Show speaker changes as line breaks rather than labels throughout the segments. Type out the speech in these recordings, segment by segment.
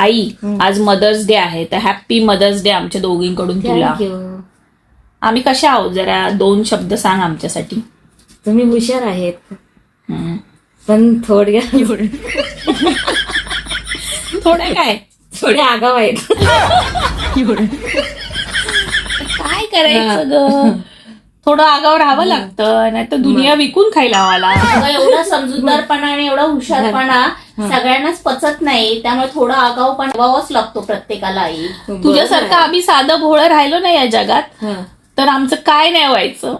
आई, आज mother's day आहे, तर हॅप्पी मदर्स डे आमच्या दोघींकडून तुला. आम्ही कशा आहोत, जरा 2 शब्द सांग आमच्यासाठी.
तुम्ही हुशार आहेत, पण थोड्या
काय
थोड्या आगाव आहेत.
काय करायचं ग, थोडं आगावर राहावं लागतं, नाही तर दुनिया विकून खायला आम्हाला.
एवढा समजूतदारपणा आणि एवढा हुशारपणा सगळ्यांनाच पचत नाही, त्यामुळे थोडा आगाऊपणा व्हावाच लागतो प्रत्येकाला. आई,
तुझ्यासारखं आम्ही साधं भोळं राहिलो नाही या जगात, तर आमचं काय नाही व्हायचं.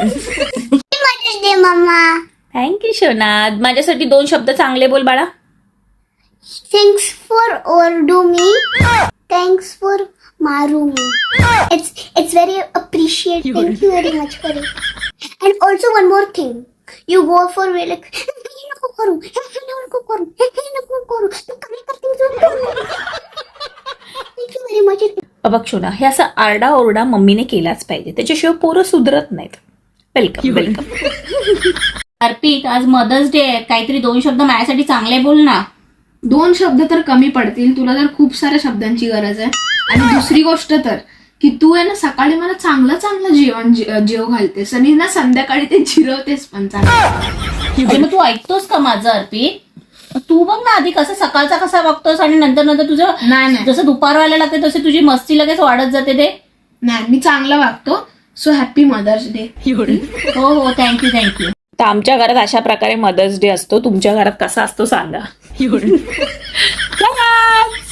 थँक्यू शोनाद. माझ्यासाठी 2 शब्द चांगले बोल बाळा.
Thanks for overdo me. Thanks for maru me. It's very appreciated. Thank you very much for it. And also one more thing. You go for like नको करू. तू काय करते? Thank you very much.
बघ शोना, हे असं आरडा ओरडा मम्मीने केलाच पाहिजे, त्याच्याशिवाय पोरं सुधरत नाहीत. वेलकम.
अर्पित, आज मदर्स डे आहे, काहीतरी 2 शब्द माझ्यासाठी चांगले बोल ना.
2 शब्द तर कमी पडतील, तुला तर खूप साऱ्या शब्दांची गरज आहे. आणि दुसरी गोष्ट तर की तू आहे ना सकाळी मला चांगलं जेव घालतेस आणि ना संध्याकाळी ते जिरवतेस पण चांगलं.
मग तू ऐकतोस का माझं अर्पित? तू बघ ना, आधी कसं सकाळचा कसा बघतोस आणि नंतर तुझं
नाही
जसं दुपार व्हायला लागते तसे तुझी मस्ती लगेच वाढत जाते. ते
नाही, मी चांगलं वागतो. So happy mother's day.
हो, थँक्यू.
तर आमच्या घरात अशा प्रकारे मदर्स डे असतो. तुमच्या घरात कसा असतो सांगा.